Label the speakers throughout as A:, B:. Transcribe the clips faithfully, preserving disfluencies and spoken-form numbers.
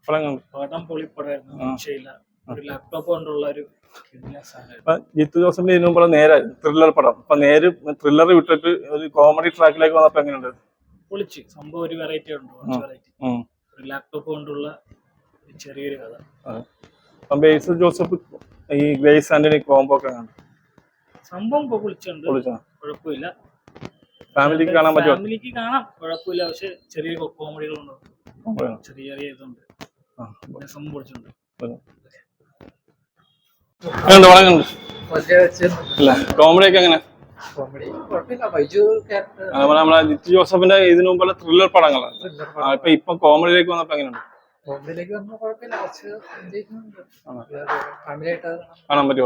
A: പടം പൊളിപ്പടമായിരുന്നു. രക്ഷയില്ല. ഒരു ലാപ്ടോപ്പ് കൊണ്ടുള്ള ഒരു
B: ജിത്തു ജോസഫിന്റെ ഇതിനു മുമ്പ് നേരെ ത്രില്ലർ പടം അപ്പൊ നേര് ത്രില്ലർ വിട്ടിട്ട് ഒരു കോമഡി ട്രാക്കിലേക്ക് വന്നപ്പോ എങ്ങനെയുണ്ട്?
A: പൊളിച്ച് സംഭവം ഒരു വെറൈറ്റി ഉണ്ട്. വെറൈറ്റി ഒരു ലാപ്ടോപ്പ് കൊണ്ടുള്ള ചെറിയൊരു കഥ.
B: അപ്പൊ ബേസിൽ ജോസഫ് ഈ ഗ്രേസ് ആന്റണി കോംബോ ഒക്കെ
A: സംഭവം ഇപ്പൊ പൊളിച്ചുണ്ട്. കുഴപ്പമില്ല.
B: ഫാമിലിക്ക് കാണാൻ പറ്റുമോ?
A: ഫാമിലിക്ക് കാണാം, കുഴപ്പമില്ല. പക്ഷെ ചെറിയ കോമഡികളുണ്ട്, ചെറിയ ചെറിയ ഇതുണ്ട്. സംഭവം പൊളിച്ചുണ്ട്.
B: കോമഡി ഒക്കെ എങ്ങനെ? നമ്മളെ ജിത്തു ജോസഫിന്റെ ഇതിനു മുമ്പുള്ള ത്രില്ലർ പടങ്ങളാണ്. ഇപ്പൊ ഇപ്പൊ കോമഡിയിലേക്ക് വന്നപ്പോ എങ്ങനെയുണ്ട്? കാണാൻ പറ്റുമോ?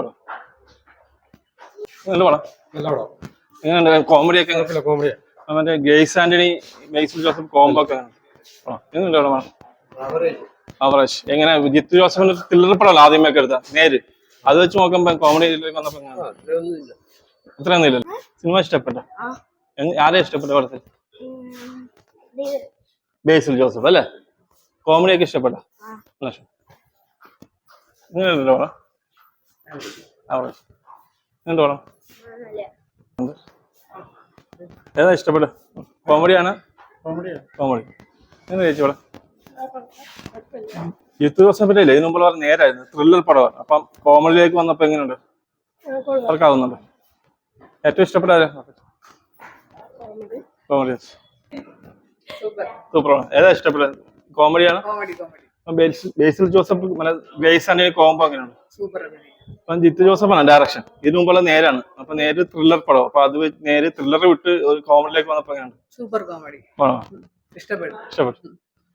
B: എങ്ങനെയുണ്ട് കോമഡി ഒക്കെ? മറ്റേ ഗ്രേസ് ആന്റണി ബേസിൽ ജോസഫ് കോംബോ ഒക്കെ എങ്ങനെയുണ്ട്? അവറേജ്. എങ്ങനെ ജിത്തു ജോസഫിന്റെ ത്രില്ലർ പടമല്ല ആദ്യമേ ഒക്കെ എടുത്ത നേര്, അത് വെച്ച് നോക്കുമ്പോ കോമഡിയിലേക്ക് വന്നപ്പോ അത്രയൊന്നും ഇല്ലല്ലോ. സിനിമ ഇഷ്ടപ്പെട്ട? ആരെയും ഇഷ്ടപ്പെട്ട പടത്തിൽ? ബേസിൽ ജോസഫ് അല്ലേ? കോമഡി ഒക്കെ ഇഷ്ടപ്പെട്ട? ഇങ്ങനെയല്ലോ പടം. അവറേജ്. എങ്ങനെയുണ്ട് പടം? ഏതാ ഇഷ്ടപ്പെട്ട? കോമഡിയാണ്? കോമഡി. എങ്ങനെ ചേച്ചി പടം? ജിത്തു ജോസഫിന്റെ ഇല്ലേ ഇതിനു മുമ്പ് പറഞ്ഞ നേരായിരുന്നു ത്രില്ലർ പടമാണ്. അപ്പം കോമഡിയിലേക്ക് വന്നപ്പോ എങ്ങനെയുണ്ട്? വർക്കാവുന്നുണ്ട്? ഏറ്റവും ഇഷ്ടപ്പെട്ട കോമഡി? സൂപ്പറാണ്. ഏതാ ഇഷ്ടപ്പെട്ടത്? കോമഡിയാണ്? ബേസിൽ ജോസഫ് ഗ്രേസ് ആന്റണി കോംബോ അങ്ങനെയാണ്. അപ്പം ജിത്തു ജോസഫാണ് ഡയറക്ഷൻ. ഇതിനു മുമ്പുള്ള നേരാണ്. അപ്പൊ നേര് ത്രില്ലർ പടം. അപ്പൊ അത് നേര് ത്രില്ലർ വിട്ട് ഒരു കോമഡിയിലേക്ക് വന്നപ്പോ എങ്ങനെയാണ്?
C: Super comedy. ഇഷ്ടപ്പെട്ടു.
B: ഇഷ്ടപ്പെട്ടു.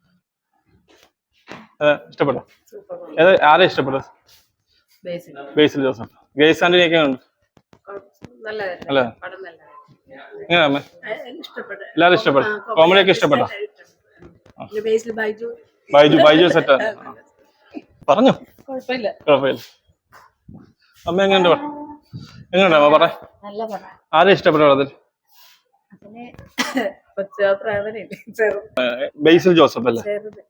B: ഇഷ്ടപ്പെട്ടോ? ഏതാ ആരെ ഇഷ്ടപ്പെട്ടത്? ബേസിൽ ജോസഫ്. ഗ്രേസ് ആന്റണി ഒക്കെ ഉണ്ട്. അല്ലേ? എങ്ങനെയാ എല്ലാരും ഇഷ്ടപ്പെട്ടു? കോമഡി ഒക്കെ ഇഷ്ടപ്പെട്ടോ? ബൈജു ബൈജു സെറ്റ് പറഞ്ഞു. കുഴപ്പമില്ല. അമ്മ എങ്ങനെയുണ്ട്? എങ്ങനെയുണ്ട് അമ്മ പറ? ആരെ ഇഷ്ടപ്പെട്ട പടത്തിൽ? ബേസിൽ ജോസഫ് അല്ലേ?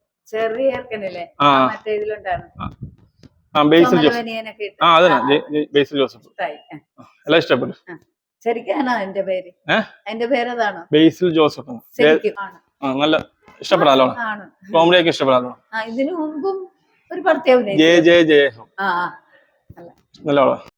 B: ബേസിൽ ജോസഫ്. ആ അതന്നെ ബേസിൽ ജോസഫ്. എല്ലാം ഇഷ്ടപ്പെട്ടു.
C: ശരിക്കാണോ എന്റെ പേര്? എന്റെ പേരതാണോ?
B: ബേസിൽ ജോസഫ്. നല്ല ഇഷ്ടപ്പെടാലോ? കോമഡി ഒക്കെ ഇഷ്ടപ്പെടാലോ?
C: ഇതിനു മുമ്പും ഒരു പ്രത്യേകത
B: ജയ ജയ ജയ നല്ല